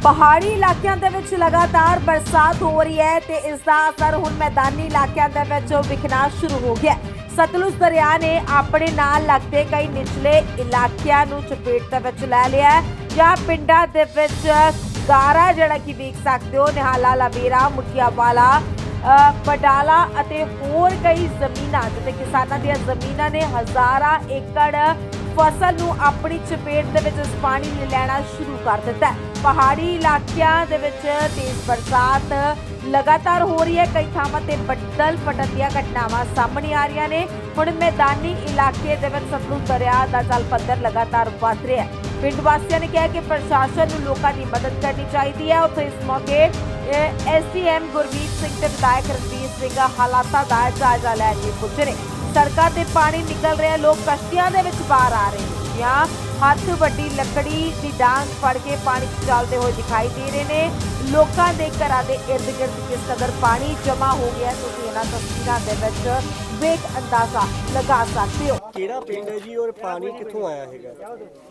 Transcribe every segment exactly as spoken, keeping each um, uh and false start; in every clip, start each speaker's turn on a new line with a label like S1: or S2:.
S1: ਪਹਾੜੀ ਇਲਾਕਿਆਂ ਦੇ ਵਿੱਚ ਲਗਾਤਾਰ ਬਰਸਾਤ ਹੋ ਰਹੀ ਹੈ ਤੇ ਇਸ ਦਾ ਅਸਰ ਹੁਣ ਮੈਦਾਨੀ ਇਲਾਕਿਆਂ ਦੇ ਵਿੱਚ ਵਿਖਣਾ ਸ਼ੁਰੂ ਹੋ ਗਿਆ ਹੈ। ਸਤਲੁਜ ਦਰਿਆ ਨੇ ਆਪਣੇ ਨਾਲ ਲੱਗਦੇ ਕਈ ਨਿਚਲੇ ਇਲਾਕਿਆਂ ਨੂੰ ਚਪੇਟ ਦੇ ਵਿੱਚ ਲੈ ਲਿਆ ਹੈ, ਜਾਂ ਪਿੰਡਾਂ ਦੇ ਵਿੱਚ ਗਾਰਾ ਜਿਹੜਾ ਕਿ ਵੇਖ ਸਕਦੇ ਹੋ, ਨਿਹਾਲਾ, ਲਵੇਰਾ, ਮੁਠੀਆਵਾਲਾ, ਪਡਾਲਾ ਅਤੇ ਹੋਰ ਕਈ ਜ਼ਮੀਨਾਂ ਜਿੱਥੇ ਕਿਸਾਨਾਂ ਦੀਆਂ ਜ਼ਮੀਨਾਂ ਨੇ ਹਜ਼ਾਰਾਂ ਏਕੜ ਫਸਲ ਨੂੰ ਆਪਣੀ ਚਪੇਟ ਦੇ ਵਿੱਚ ਇਸ ਪਾਣੀ ਨੇ ਲੈਣਾ ਸ਼ੁਰੂ ਕਰ ਦਿੱਤਾ ਹੈ। ਪਹਾੜੀ ਇਲਾਕਿਆਂ ਦੇ ਵਿੱਚ ਤੇਜ਼ ਬਰਸਾਤ ਲਗਾਤਾਰ ਹੋ ਰਹੀ ਹੈ। ਕਈ ਥਾਵਾਂ ਤੇ ਬੱਦਲ ਫਟਣ ਦੀਆਂ ਘਟਨਾਵਾਂ ਸਾਹਮਣੇ ਆ ਰਹੀਆਂ ਨੇ। ਹੁਣ ਮੈਦਾਨੀ ਇਲਾਕੇ ਦੇ ਵਿੱਚ ਸਤਲੁਜ ਦਰਿਆ ਦਾ ਜਲ ਪੱਧਰ ਲਗਾਤਾਰ ਵੱਧ ਰਿਹਾ ਹੈ। ਪਿੰਡ ਵਾਸੀਆਂ ਨੇ ਕਿਹਾ ਕਿ ਪ੍ਰਸ਼ਾਸਨ ਨੂੰ ਲੋਕਾਂ ਦੀ ਮਦਦ ਕਰਨੀ ਚਾਹੀਦੀ ਹੈ। ਉੱਥੇ ਇਸ ਮੌਕੇ ਐਸਡੀਐਮ ਗੁਰਮੀਤ ਸਿੰਘ ਤੇ ਵਿਧਾਇਕ ਰਣਵੀਰ ਸਿੰਘ ਹਾਲਾਤਾਂ ਦਾ ਜਾਇਜ਼ਾ ਲੈਣ ਲਈ ਪੁੱਜੇ ਨੇ। ਸੜਕਾਂ ਤੇ ਪਾਣੀ ਨਿਕਲ ਰਿਹਾ, ਲੋਕ ਕਸ਼ਤੀਆਂ ਦੇ ਵਿੱਚ ਬਾਹਰ ਆ ਰਹੇ ਨੇ ਜਾਂ ਹੱਥ ਵੱਡੀ ਲੱਕੜੀ ਦੀ ਡਾਂਗ ਫੜ ਕੇ ਪਾਣੀ 'ਚ ਚੱਲਦੇ ਹੋਏ ਦਿਖਾਈ ਦੇ ਰਹੇ ਨੇ। ਲੋਕਾਂ ਦੇ ਘਰਾਂ ਦੇ ਇਰਦ ਗਿਰਦ ਕਿਸ ਕਦਰ ਪਾਣੀ ਜਮ੍ਹਾਂ ਹੋ ਗਿਆ, ਤੁਸੀਂ ਇਹਨਾਂ ਤਸਵੀਰਾਂ ਦੇ ਵਿੱਚ ਵੇਖ ਅੰਦਾਜ਼ਾ ਲਗਾ ਸਕਦੇ ਹੋ।
S2: ਕਿਹੜਾ ਪਿੰਡ ਹੈ ਜੀ ਔਰ ਪਾਣੀ ਕਿੱਥੋਂ ਆਇਆ ਹੈਗਾ?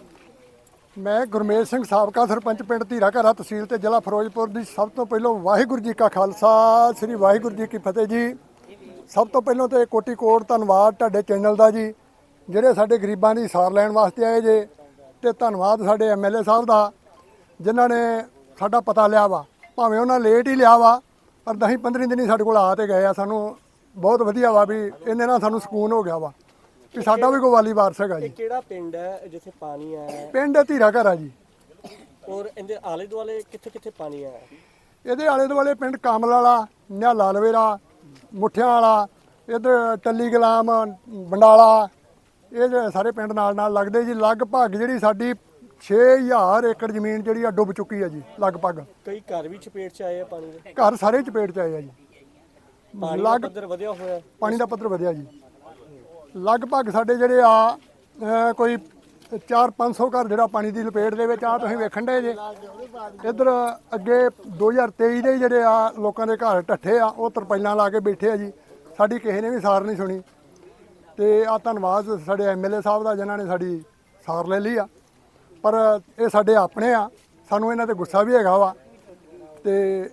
S3: ਮੈਂ ਗੁਰਮੇਜ ਸਿੰਘ, ਸਾਬਕਾ ਸਰਪੰਚ ਪਿੰਡ ਧੀਰਾ ਘਰਾ, ਤਹਿਸੀਲ ਤੇ ਜ਼ਿਲ੍ਹਾ ਫਿਰੋਜ਼ਪੁਰ ਦੀ। ਸਭ ਤੋਂ ਪਹਿਲਾਂ ਵਾਹਿਗੁਰੂ ਜੀ ਕਾ ਖਾਲਸਾ, ਸ੍ਰੀ ਵਾਹਿਗੁਰੂ ਜੀ ਕੀ ਫਤਿਹ ਜੀ। ਸਭ ਤੋਂ ਪਹਿਲਾਂ ਤੇ ਕੋਟੀ ਕੋਟ ਧੰਨਵਾਦ ਤੁਹਾਡੇ ਚੈਨਲ ਦਾ ਜੀ, ਜਿਹੜੇ ਸਾਡੇ ਗਰੀਬਾਂ ਦੀ ਸਾਰ ਲੈਣ ਵਾਸਤੇ ਆਏ ਜੇ। ਤੇ ਧੰਨਵਾਦ ਸਾਡੇ ਐਮਐਲਏ ਸਾਹਿਬ ਦਾ, ਜਿਨ੍ਹਾਂ ਨੇ ਸਾਡਾ ਪਤਾ ਲਿਆ ਵਾ। ਭਾਵੇਂ ਉਹਨਾਂ ਲੇਟ ਹੀ ਲਿਆ ਵਾ, ਪਰ ਦਸ ਪੰਦਰਾਂ ਦਿਨ ਹੀ ਸਾਡੇ ਕੋਲ ਆ ਤੇ ਗਏ ਆ। ਸਾਨੂੰ ਬਹੁਤ ਵਧੀਆ ਵਾ ਵੀ ਇਹਨੇ ਨਾਲ ਸਾਨੂੰ ਸਕੂਨ ਹੋ ਗਿਆ ਵਾ ਕਿ ਸਾਡਾ ਵੀ ਕੋਈ ਵਾਲੀ ਵਾਰਸ ਹੈਗਾ ਜੀ।
S2: ਇਹ ਕਿਹੜਾ ਪਿੰਡ ਹੈ ਜਿੱਥੇ ਪਾਣੀ ਆਇਆ?
S3: ਪਿੰਡ ਧੀਰਾ ਘਰਾ ਜੀ।
S2: ਔਰ ਇਹਦੇ ਆਲੇ ਦੁਆਲੇ ਕਿੱਥੇ ਕਿੱਥੇ ਪਾਣੀ ਆਇਆ?
S3: ਇਹਦੇ ਆਲੇ ਦੁਆਲੇ ਪਿੰਡ ਕਾਮਲ ਵਾਲਾ, ਨਿਹਾਲਾ, ਲਵੇਰਾ, ਮੁੱਠਿਆਂ ਵਾਲਾ, ਇੱਧਰ ਟੱਲੀ ਗੁਲਾਮ, ਬੰਡਾਲਾ, ਇਹ ਜਿਹੜੇ ਸਾਰੇ ਪਿੰਡ ਨਾਲ ਨਾਲ ਲੱਗਦੇ ਜੀ। ਲਗਭਗ ਜਿਹੜੀ ਸਾਡੀ ਛੇ ਹਜ਼ਾਰ ਏਕੜ ਜ਼ਮੀਨ ਜਿਹੜੀ ਆ ਡੁੱਬ ਚੁੱਕੀ ਆ ਜੀ ਲਗਭਗ।
S2: ਕਈ ਘਰ ਵੀ ਚਪੇਟ 'ਚ ਆਏ ਆ ਪਾਣੀ ਦੇ?
S3: ਘਰ ਸਾਰੇ ਚਪੇਟ 'ਚ ਆਏ ਆ ਜੀ।
S2: ਪਾਣੀ ਦਾ ਪੱਧਰ ਵਧਿਆ ਹੋਇਆ?
S3: ਪਾਣੀ ਦਾ ਪੱਧਰ ਵਧਿਆ ਜੀ। ਲਗਭਗ ਸਾਡੇ ਜਿਹੜੇ ਆ ਅਹ ਕੋਈ ਚਾਰ ਪੰਜ ਸੌ ਘਰ ਜਿਹੜਾ ਪਾਣੀ ਦੀ ਲਪੇਟ ਦੇ ਵਿੱਚ ਆ, ਤੁਸੀਂ ਵੇਖਣ ਦੇ ਜੇ। ਇੱਧਰ ਅੱਗੇ ਦੋ ਹਜ਼ਾਰ ਤੇਈ ਦੇ ਜਿਹੜੇ ਆ ਲੋਕਾਂ ਦੇ ਘਰ ਢੱਠੇ ਆ, ਉਹ ਤਰਪਾਈਲਾਂ ਲਾ ਕੇ ਬੈਠੇ ਆ ਜੀ। ਸਾਡੀ ਕਿਸੇ ਨੇ ਵੀ ਸਾਰ ਨਹੀਂ ਸੁਣੀ। ਤੇ ਆ ਧੰਨਵਾਦ ਸਾਡੇ ਐਮਐਲਏ ਸਾਹਿਬ ਦਾ, ਜਿਨ੍ਹਾਂ ਨੇ ਸਾਡੀ ਸਾਰ ਲੈ ਲਈ ਆ। ਪਰ ਇਹ ਸਾਡੇ ਆਪਣੇ ਆ, ਸਾਨੂੰ ਇਹਨਾਂ ਤੇ ਗੁੱਸਾ ਵੀ ਹੈਗਾ ਵਾ। ਤੇ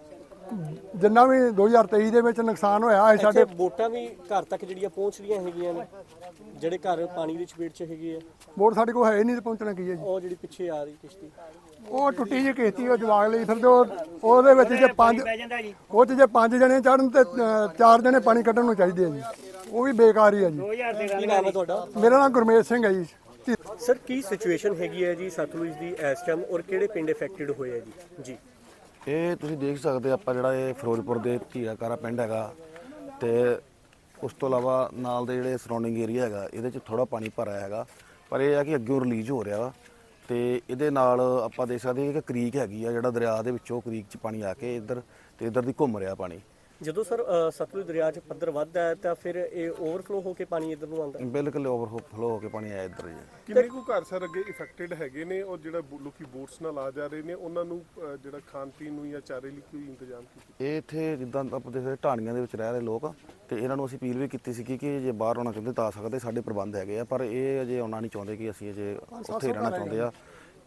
S3: ਜਿੰਨਾ ਵੀ ਦੋ ਹਜ਼ਾਰ ਤੇਈ ਦੇ ਵਿੱਚ ਨੁਕਸਾਨ ਹੋਇਆ ਹੈ, ਸਾਡੇ
S2: ਵੋਟਾਂ ਵੀ ਘਰ ਤੱਕ ਜਿਹੜੀਆਂ ਪਹੁੰਚ ਰਹੀਆਂ ਹੈਗੀਆਂ ਨੇ, ਜਿਹੜੇ ਘਰ ਪਾਣੀ ਦੀ ਚਪੇਟ 'ਚ ਹੈਗੇ ਆ।
S3: ਵੋਟ ਸਾਡੇ ਕੋਲ ਹੈ ਨਹੀਂ ਤੇ ਪਹੁੰਚਣਾ ਕੀ ਹੈ ਜੀ।
S2: ਉਹ ਜਿਹੜੀ ਪਿੱਛੇ ਆ ਰਹੀ ਕਿਸ਼ਤੀ,
S3: ਉਹ ਟੁੱਟੀ ਜਿਹੀ ਕਿਸ਼ਤੀ, ਉਹ ਜਵਾਗ ਲਈ ਫਿਰਦੇ। ਉਹ ਉਹਦੇ ਵਿੱਚ ਜੇ ਪੰਜ ਉਹ 'ਚ ਜੇ ਪੰਜ ਜਣੇ ਚੜਨ ਤੇ ਅਹ, ਚਾਰ ਜਣੇ ਪਾਣੀ ਕੱਢਣ ਨੂੰ ਚਾਹੀਦੇ ਆ ਜੀ। ਉਹ ਵੀ ਬੇਕਾਰ ਹੀ ਆ ਜੀ।
S2: ਕੀ ਨਾਮ ਹੈ ਤੁਹਾਡਾ?
S3: ਮੇਰਾ ਨਾਮ ਗੁਰਮੇਜ ਸਿੰਘ ਹੈ ਜੀ।
S2: ਸਰ, ਕੀ ਸਿਚੁਏਸ਼ਨ ਹੈਗੀ ਹੈ ਜੀ ਸਤਲੁਜ ਦੀ ਇਸ ਟਾਈਮ, ਔਰ ਕਿਹੜੇ ਪਿੰਡ ਇਫੈਕਟਡ ਹੋਏ ਆ ਜੀ? ਜੀ
S4: ਇਹ ਤੁਸੀਂ ਦੇਖ ਸਕਦੇ ਆਪਾਂ ਜਿਹੜਾ ਇਹ ਫਿਰੋਜ਼ਪੁਰ ਦੇ ਧੀਰਾ ਘਰਾ ਪਿੰਡ ਹੈਗਾ, ਤੇ ਉਸ ਤੋਂ ਇਲਾਵਾ ਨਾਲ ਦੇ ਜਿਹੜੇ ਸਰਾਊਂਡਿੰਗ ਏਰੀਆ ਹੈਗਾ, ਇਹਦੇ 'ਚ ਥੋੜਾ ਪਾਣੀ ਭਰਿਆ ਹੈਗਾ। ਪਰ ਇਹ ਆ ਕਿ ਅੱਗੇ ਰਿਲੀਜ਼ ਹੋ ਰਿਹਾ ਵਾ। ਤੇ ਇਹਦੇ ਨਾਲ ਆਪਾਂ ਦੇਖ ਸਕਦੇ ਹਾਂ ਕਿ ਕ੍ਰੀਕ ਹੈਗੀ ਆ, ਜਿਹੜਾ ਦਰਿਆ ਦੇ ਵਿੱਚੋਂ ਕ੍ਰੀਕ 'ਚ ਪਾਣੀ ਆ ਕੇ ਇੱਧਰ ਤੇ ਇੱਧਰ ਦੀ ਘੁੰਮ ਰਿਹਾ ਪਾਣੀ।
S2: ਜਦੋਂ ਸਰ ਸਤਲੁਜ ਦਰਿਆ 'ਚ ਪੱਧਰ ਵੱਧਦਾ ਹੈ ਤਾਂ ਫਿਰ ਇਹ ਓਵਰਫਲੋ ਹੋ ਕੇ ਪਾਣੀ ਇੱਧਰ ਨੂੰ ਆਉਂਦਾ?
S4: ਬਿਲਕੁਲ ਓਵਰਫਲੋ ਹੋ ਕੇ ਪਾਣੀ ਆਇਆ ਇੱਧਰ ਜੀ।
S5: ਕਿੰਨੇ ਕੁ ਘਰ ਸਰ ਅੱਗੇ ਇਫੈਕਟਡ ਹੈਗੇ ਨੇ, ਔਰ ਜਿਹੜਾ ਲੋਕੀ ਬੋਟਸ ਨਾਲ ਆ ਜਾ ਰਹੇ ਨੇ, ਉਹਨਾਂ ਨੂੰ ਅਹ, ਜਿਹੜਾ ਖਾਣ ਪੀਣ ਨੂੰ ਜਾਂ ਚਾਰੇ ਲਈ ਕੋਈ ਇੰਤਜ਼ਾਮ ਕੀਤਾ?
S4: ਇਹ ਇੱਥੇ ਜਿੱਦਾਂ ਆਪਾਂ ਦੇਖਦੇ ਢਾਣੀਆਂ ਦੇ ਵਿੱਚ ਰਹਿ ਰਹੇ ਲੋਕ, ਤੇ ਇਹਨਾਂ ਨੂੰ ਅਸੀਂ ਅਪੀਲ ਵੀ ਕੀਤੀ ਸੀ ਕਿ ਜੇ ਬਾਹਰ ਆਉਣਾ ਚਾਹੁੰਦੇ ਤਾਂ ਆ ਸਕਦੇ, ਸਾਡੇ ਪ੍ਰਬੰਧ ਹੈਗੇ ਆ। ਪਰ ਇਹ ਅਜੇ ਆਉਣਾ ਨਹੀਂ ਚਾਹੁੰਦੇ ਕਿ ਅਸੀਂ ਅਜੇ ਉੱਥੇ ਰਹਿਣਾ ਚਾਹੁੰਦੇ ਆ।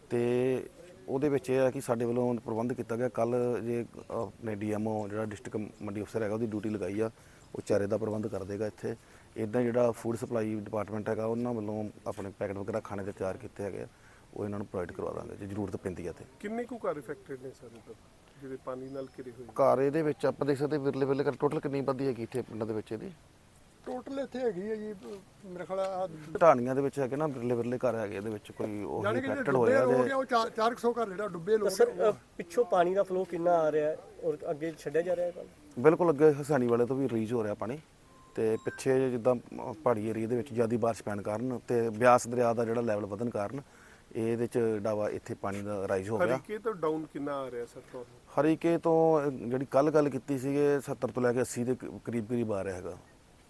S4: ਤੇ ਉਹਦੇ ਵਿੱਚ ਇਹ ਹੈ ਕਿ ਸਾਡੇ ਵੱਲੋਂ ਪ੍ਰਬੰਧ ਕੀਤਾ ਗਿਆ। ਕੱਲ ਜੇ ਆਪਣੇ ਡੀਐਮਓ ਜਿਹੜਾ ਡਿਸਟ੍ਰਿਕਟ ਮੰਡੀ ਅਫਸਰ ਹੈਗਾ, ਉਹਦੀ ਡਿਊਟੀ ਲਗਾਈ ਆ, ਉਹ ਚਾਰੇ ਦਾ ਪ੍ਰਬੰਧ ਕਰ ਦੇਗਾ ਇੱਥੇ। ਇੱਦਾਂ ਜਿਹੜਾ ਫੂਡ ਸਪਲਾਈ ਡਿਪਾਰਟਮੈਂਟ ਹੈਗਾ, ਉਹਨਾਂ ਵੱਲੋਂ ਆਪਣੇ ਪੈਕਟ ਵਗੈਰਾ ਖਾਣੇ ਦੇ ਤਿਆਰ ਕੀਤੇ ਹੈਗੇ ਆ, ਉਹ ਇਹਨਾਂ ਨੂੰ ਪ੍ਰੋਵਾਈਡ ਕਰਵਾ ਦਾਂਗੇ ਜੇ ਜ਼ਰੂਰਤ ਪੈਂਦੀ ਹੈ। ਤੇ
S5: ਕਿੰਨੇ ਕੁ ਘਰ ਇਫੈਕਟਡ ਨੇ ਸਰ ਇੱਧਰ ਜਿਹੜੇ ਪਾਣੀ ਨਾਲ ਘਿਰੇ ਹੋਏ?
S4: ਘਰ ਇਹਦੇ ਵਿੱਚ ਆਪਾਂ ਦੇਖ ਸਕਦੇ ਵਿਰਲੇ ਵਿਰਲੇ ਕਰ ਟੋਟਲ ਕਿੰਨੀ ਬੰਦੀ ਹੈਗੀ ਇੱਥੇ ਪਿੰਡਾਂ ਦੇ ਵਿੱਚ? ਇਹਦੀ
S3: ਟੋਟਲ ਇੱਥੇ ਹੈਗੀ ਹੈ ਜੀ ਮੇਰੇ ਖਿਆਲ
S4: ਢਾਣੀਆਂ ਦੇ ਵਿੱਚ ਹੈਗੇ ਨਾ ਵਿਰਲੇ ਵਿਰਲੇ ਘਰ ਹੈਗੇ, ਇਹਦੇ ਵਿੱਚ ਕੋਈ ਉਹ
S3: ਜਾਨੀ ਕਿ
S4: ਇਫੈਕਟਡ
S3: ਡੁੱਬੇ
S4: ਹੋਇਆ
S3: ਹੋ
S4: ਜੇ।
S3: ਗਿਆ। ਉਹ ਚਾਰ ਸੌ ਘਰ ਜਿਹੜਾ ਡੁੱਬੇ ਲੋਕ।
S2: ਸਰ, ਪਿੱਛੋਂ ਪਾਣੀ ਦਾ ਫਲੋ ਕਿੰਨਾ ਆ ਰਿਹਾ ਹੈ ਔਰ ਅੱਗੇ ਛੱਡਿਆ ਜਾ ਰਿਹਾ ਹੈ?
S4: ਬਿਲਕੁਲ ਅੱਗੇ ਹਸਾਨੀ ਵਾਲੇ ਤੋਂ ਵੀ ਰਿਲੀਜ਼ ਹੋ ਰਿਹਾ ਪਾਣੀ। ਤੇ ਪਿੱਛੇ ਜਿੱਦਾਂ ਪਹਾੜੀ ਏਰੀਆ ਦੇ ਵਿੱਚ ਜ਼ਿਆਦਾ ਬਾਰਿਸ਼ ਪੈਣ ਕਾਰਨ ਤੇ ਬਿਆਸ ਦਰਿਆ ਦਾ ਜਿਹੜਾ ਲੈਵਲ ਵਧਣ ਕਾਰਨ ਇਹਦੇ ਚ ਡਾਵਾ ਇੱਥੇ ਪਾਣੀ ਦਾ ਰਾਈਜ਼ ਹੋ ਗਿਆ।
S5: ਹਰੀਕੇ ਤੋਂ ਡਾਊਨ ਕਿੰਨਾ ਆ ਰਿਹਾ ਸਰ ਤੁਹਾਨੂੰ?
S4: ਹਰੀਕੇ ਤੋਂ ਜਿਹੜੀ ਕੱਲ ਗੱਲ ਕੀਤੀ ਸੀਗੇ ਸੱਤਰ ਤੋਂ ਲੈ ਕੇ ਅੱਸੀ ਦੇ ਕਰੀਬ ਕਰੀਬ ਆ ਰਿਹਾ ਹੈਗਾ।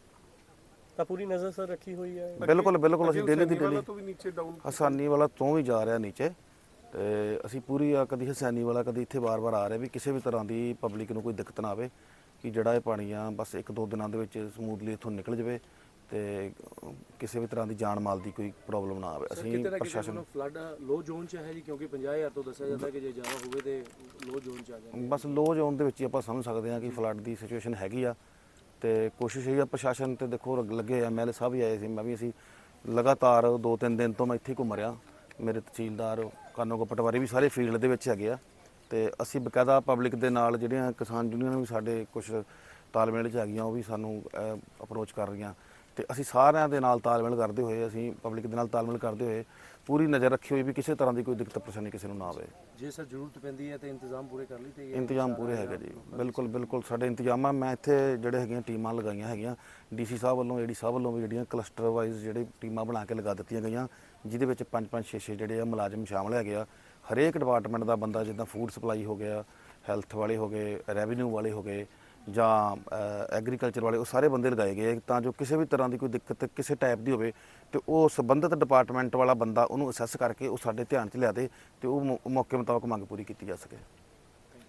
S2: ਤਾਂ ਪੂਰੀ ਨਜ਼ਰ ਸਰ ਰੱਖੀ ਹੋਈ ਹੈ?
S4: ਬਿਲਕੁਲ ਬਿਲਕੁਲ ਅਸੀਂ ਡੇਲੀ ਦੀ ਡੇਲੀ
S5: ਤੋਂ ਵੀ ਨੀਚੇ ਡਾਊਨ
S4: ਹਸਾਨੀ ਵਾਲਾ ਤੋਂ ਵੀ ਜਾ ਰਿਹਾ ਨੀਚੇ। ਤੇ ਅਸੀਂ ਪੂਰੀ ਆ ਕਦੀ ਹਸਾਨੀ ਵਾਲਾ ਕਦੀ ਇੱਥੇ ਵਾਰ-ਵਾਰ ਆ ਰਿਹਾ ਵੀ ਕਿਸੇ ਵੀ ਤਰ੍ਹਾਂ ਦੀ ਪਬਲਿਕ ਨੂੰ ਕੋਈ ਦਿੱਕਤ ਨਾ ਆਵੇ, ਕਿ ਜਿਹੜਾ ਇਹ ਪਾਣੀ ਆ ਬਸ ਇੱਕ ਦੋ ਦਿਨਾਂ ਦੇ ਵਿੱਚ ਸਮੂਥਲੀ ਇੱਥੋਂ ਨਿਕਲ ਜਾਵੇ। ਤੇ ਕਿਸੇ ਵੀ ਤਰ੍ਹਾਂ ਦੀ ਜਾਨ ਮਾਲ ਦੀ ਕੋਈ ਪ੍ਰੋਬਲਮ ਨਾ ਆਵੇ। ਅਸੀਂ ਪ੍ਰਸ਼ਾਸਨ
S6: ਫਲੱਡ ਲੋ ਜ਼ੋਨ ਚ ਹੈ ਜੀ, ਕਿਉਂਕਿ ਪੰਜਾਹ ਹਜ਼ਾਰ ਤੋਂ ਦੱਸਿਆ ਜਾਂਦਾ ਕਿ ਜੇ ਜ਼ਿਆਦਾ ਹੋਵੇ ਤੇ ਲੋ ਜ਼ੋਨ ਚ ਆ ਜਾਵੇ।
S4: ਬਸ ਲੋ ਜ਼ੋਨ ਦੇ ਵਿੱਚ ਹੀ ਆਪਾਂ ਸਮਝ ਸਕਦੇ ਹਾਂ ਕਿ ਫਲੱਡ ਦੀ ਸਿਚੁਏਸ਼ਨ ਹੈਗੀ ਆ ਤੇ ਕੋਸ਼ਿਸ਼ ਇਹ ਆ ਪ੍ਰਸ਼ਾਸਨ ਤੇ ਦੇਖੋ ਲੱਗੇ ਐਮ ਐਲ ਏ ਸਾਹਿਬ ਵੀ ਆਏ ਸੀ, ਮੈਂ ਵੀ ਅਸੀਂ ਲਗਾਤਾਰ ਦੋ ਤਿੰਨ ਦਿਨ ਤੋਂ ਮੈਂ ਇੱਥੇ ਘੁੰਮ ਰਿਹਾ, ਮੇਰੇ ਤਹਿਸੀਲਦਾਰ ਕਾਨੋਗੋ ਪਟਵਾਰੀ ਵੀ ਸਾਰੇ ਫੀਲਡ ਦੇ ਵਿੱਚ ਹੈਗੇ ਆ ਤੇ ਅਸੀਂ ਬਕਾਇਦਾ ਪਬਲਿਕ ਦੇ ਨਾਲ ਜਿਹੜੀਆਂ ਕਿਸਾਨ ਯੂਨੀਅਨ ਵੀ ਸਾਡੇ ਕੁਝ ਤਾਲਮੇਲ 'ਚ ਹੈਗੀਆਂ ਉਹ ਵੀ ਸਾਨੂੰ ਅਪਰੋਚ ਕਰ ਰਹੀਆਂ ਤੇ ਅਸੀਂ ਸਾਰਿਆਂ ਦੇ ਨਾਲ ਤਾਲਮੇਲ ਕਰਦੇ ਹੋਏ ਅਸੀਂ ਪਬਲਿਕ ਦੇ ਨਾਲ ਤਾਲਮੇਲ ਕਰਦੇ ਹੋਏ ਪੂਰੀ ਨਜ਼ਰ ਰੱਖੀ ਹੋਈ ਵੀ ਕਿਸੇ ਤਰ੍ਹਾਂ ਦੀ ਕੋਈ ਦਿੱਕਤ ਪਰੇਸ਼ਾਨੀ ਕਿਸੇ ਨੂੰ ਨਾ ਆਵੇ।
S6: ਜੇ ਸਰ ਜ਼ਰੂਰਤ ਪੈਂਦੀ ਹੈ ਤੇ ਇੰਤਜ਼ਾਮ ਪੂਰੇ ਕਰ ਲਈ ਤੇ
S4: ਇੰਤਜ਼ਾਮ ਪੂਰੇ ਹੈਗੇ ਜੀ, ਬਿਲਕੁਲ ਬਿਲਕੁਲ ਸਾਡੇ ਇੰਤਜ਼ਾਮ ਆ। ਮੈਂ ਇੱਥੇ ਜਿਹੜੇ ਹੈਗੀਆਂ ਟੀਮਾਂ ਲਗਾਈਆਂ ਹੈਗੀਆਂ ਡੀਸੀ ਸਾਹਿਬ ਵੱਲੋਂ ਏਡੀ ਸਾਹਿਬ ਵੱਲੋਂ ਵੀ ਜਿਹੜੀਆਂ ਕਲਸਟਰ ਵਾਈਜ਼ ਜਿਹੜੇ ਟੀਮਾਂ ਬਣਾ ਕੇ ਲਗਾ ਦਿੱਤੀਆਂ ਗਈਆਂ ਜਿਹਦੇ ਵਿੱਚ ਪੰਜ ਪੰਜ ਛੇ ਛੇ ਜਿਹੜੇ ਆ ਮੁਲਾਜ਼ਮ ਸ਼ਾਮਲ ਹੈਗੇ ਆ। ਹਰੇਕ ਡਿਪਾਰਟਮੈਂਟ ਦਾ ਬੰਦਾ, ਜਿੱਦਾਂ ਫੂਡ ਸਪਲਾਈ ਹੋ ਗਿਆ, ਹੈਲਥ ਵਾਲੇ ਹੋ ਗਏ, ਰੈਵਨਿਊ ਵਾਲੇ ਹੋ ਗਏ ਜਾਂ ਐਗਰੀਕਲਚਰ ਵਾਲੇ, ਉਹ ਸਾਰੇ ਬੰਦੇ ਲਗਾਏ ਗਏ ਤਾਂ ਜੋ ਕਿਸੇ ਵੀ ਤਰ੍ਹਾਂ ਦੀ ਕੋਈ ਦਿੱਕਤ ਕਿਸੇ ਟਾਈਪ ਦੀ ਹੋਵੇ ਤੇ ਉਹ ਸੰਬੰਧਿਤ ਡਿਪਾਰਟਮੈਂਟ ਵਾਲਾ ਬੰਦਾ ਉਹਨੂੰ ਅਸੈਸ ਕਰਕੇ ਉਹ ਸਾਡੇ ਧਿਆਨ 'ਚ ਲਿਆ ਦੇ ਤੇ ਉਹ ਮੌਕੇ ਮੁਤਾਬਕ ਮੰਗ ਪੂਰੀ ਕੀਤੀ ਜਾ ਸਕੇ।